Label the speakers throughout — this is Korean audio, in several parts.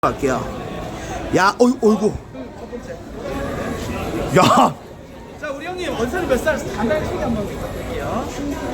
Speaker 1: 갈게요. 야, 어이구. 야.
Speaker 2: 자, 우리 형님 원산이 몇 살? 간단히 소개 한번 부탁드릴게요.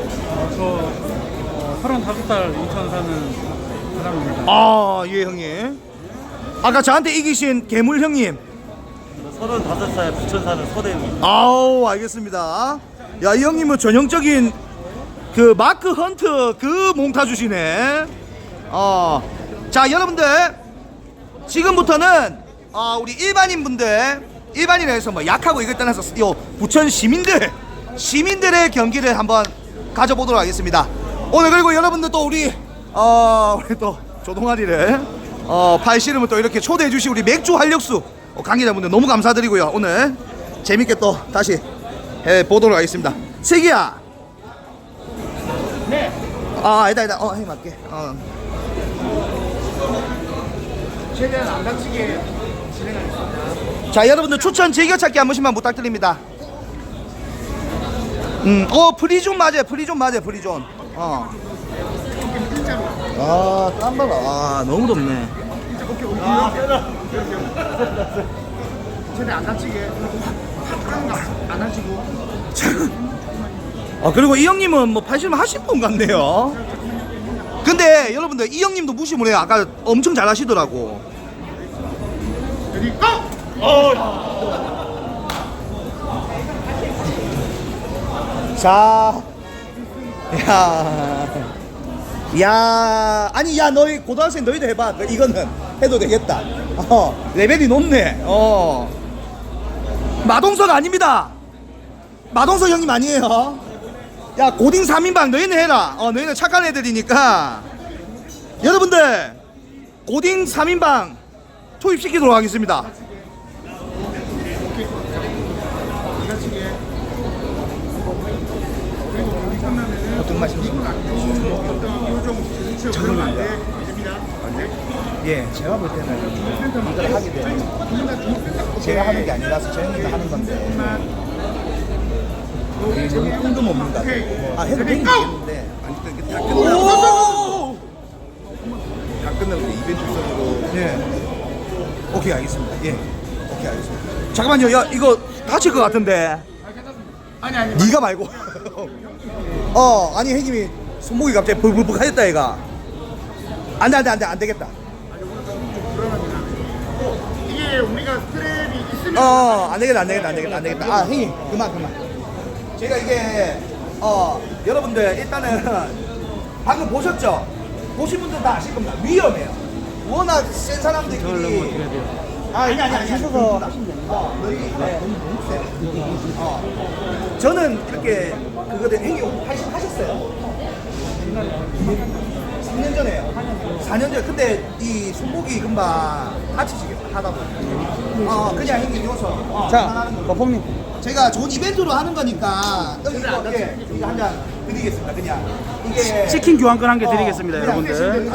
Speaker 3: 저 35살 인천 사는 사람입니다.
Speaker 1: 아, 예, 형님. 아까 저한테 이기신 괴물 형님.
Speaker 4: 35살 부천 사는 서대입니다.
Speaker 1: 아우, 알겠습니다. 야, 이 형님은 전형적인 그 마크 헌트 그 몽타주시네. 자, 여러분들 지금부터는 우리 일반인에서 뭐 약하고 이걸 떠나서 요 부천 시민들의 경기를 한번 가져보도록 하겠습니다. 오늘 그리고 여러분들 또 우리 또 조동아리를 팔씨름을 또 이렇게 초대해 주신 우리 맥주 활력수 관계자분들 너무 감사드리고요. 오늘 재밌게 또 다시 해 보도록 하겠습니다. 세기야.
Speaker 2: 네.
Speaker 1: 아니다. 해 맞게.
Speaker 2: 최대한 안 다치게 진행하겠습니다.
Speaker 1: 자, 여러분들 추천 즐겨찾기 한 번씩만 부탁드립니다. 프리존 맞아요. 프리존. 땀 봐라. 너무 덥네.
Speaker 2: 최대한 안 다치게. 안 하시고.
Speaker 1: 그리고 이 형님은 뭐 팔씨름 하신 분 같네요. 근데 여러분들 이 형님도 무시 못해요. 아까 엄청 잘 하시더라고.
Speaker 2: 레디 고!
Speaker 1: 자, 야, 아니, 야, 너희 고등학생 너희도 해봐. 이거는 해도 되겠다. 레벨이 높네. 마동석 아닙니다. 마동석 형님 아니에요. 야, 고딩 3인방 너희는 해라. 너희는 착한 애들이니까. 여러분들, 고딩 3인방 투입시키도록 하겠습니다. 어떤 말씀이십니까? 예, 제가 볼 때는 이걸 하게 되면 제가 하는 게 아니라서 저 형님이 하는 건데 너무 뜬금없는 것 같아요. 해도 되긴 되겠는데
Speaker 5: 다 끝나고 이벤트성으로
Speaker 1: 예. 오케이, 알겠습니다. 오케이, 알겠습니다. 잠깐만요. 야, 이거 다칠 것 같은데.
Speaker 2: 아니.
Speaker 1: 네가 말고. 아니, 형님이 손목이 갑자기 불불불 하였다 얘가. 안 되겠다.
Speaker 2: 이게 우리가 스트랩이 있으면
Speaker 1: 안 되겠다. 형님, 그만. 제가 이게, 여러분들, 일단은, 방금 보셨죠? 보신 분들 다 아실 겁니다. 위험해요. 워낙 센 사람들끼리. 아니. 하셔서. 너무 세. 저는 이렇게, 형님, 80 하셨어요? 3년 전에요. 4년 전. 근데 이 손목이 금방 다치시겠다, 하다 보면. 그냥 형님 이어서.
Speaker 3: 자, 거품님.
Speaker 1: 제가 좋은 이벤트로 하는 거니까 이거 한 잔 드리겠습니다. 그냥 이게
Speaker 3: 치킨 교환권 한 개 드리겠습니다,
Speaker 1: 그냥
Speaker 3: 여러분들.